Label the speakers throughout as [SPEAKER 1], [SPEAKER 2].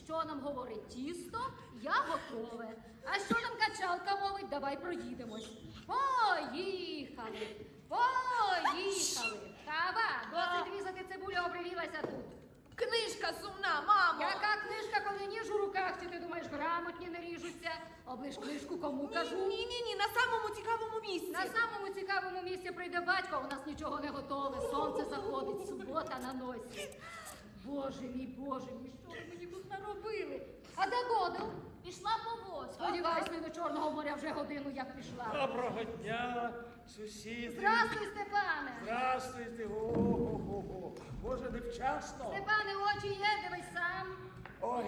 [SPEAKER 1] Що нам говорить тісто, я готове. А що нам качалка мовить, давай проїдемось. Поїхали, поїхали. Кава, досить різати цибулю, обривілася тут.
[SPEAKER 2] Книжка сумна, мамо!
[SPEAKER 1] Яка книжка, коли ніж у руках, чи ти думаєш, грамотні не ріжуться? Оближ книжку, кому кажу?
[SPEAKER 2] Ні, на самому цікавому місці.
[SPEAKER 1] На самому цікавому місці прийде батько, у нас нічого не готове, сонце заходить, субота на носі. Боже мій, що ви мені тут наробили? А де Годел?
[SPEAKER 3] Пішла по воду.
[SPEAKER 1] Сподіваюсь, не до Чорного моря вже годину як пішла.
[SPEAKER 4] Доброго дня, сусіди.
[SPEAKER 1] Здравствуй, Степане!
[SPEAKER 4] Здравствуйте. О-го-го-го. Боже, невчасно.
[SPEAKER 1] Степане, очі є, дивись сам.
[SPEAKER 4] Ой.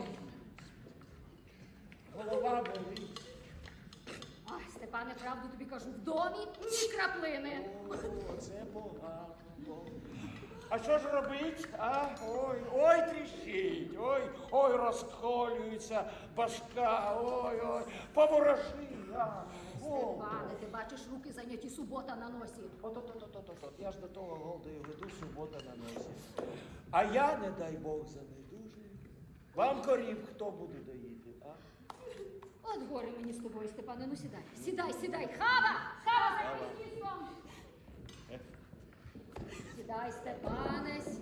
[SPEAKER 4] Голова болить.
[SPEAKER 1] Ой, Степане, правду тобі кажу, в домі ні краплини.
[SPEAKER 4] О, це погано. А що ж робить? А? Ой, тріщить, ой, розколюється башка, ой, поворожи.
[SPEAKER 1] Степане, ти бачиш, руки зайняті, субота на носі.
[SPEAKER 4] От, я ж до того голдою веду, субота на носі. А я, не дай Бог, занедужую. Вам корів хто буде доїти, а?
[SPEAKER 1] От горе мені з тобою, Степане, ну сідай. Хава, за тістом. Сідай, Степане,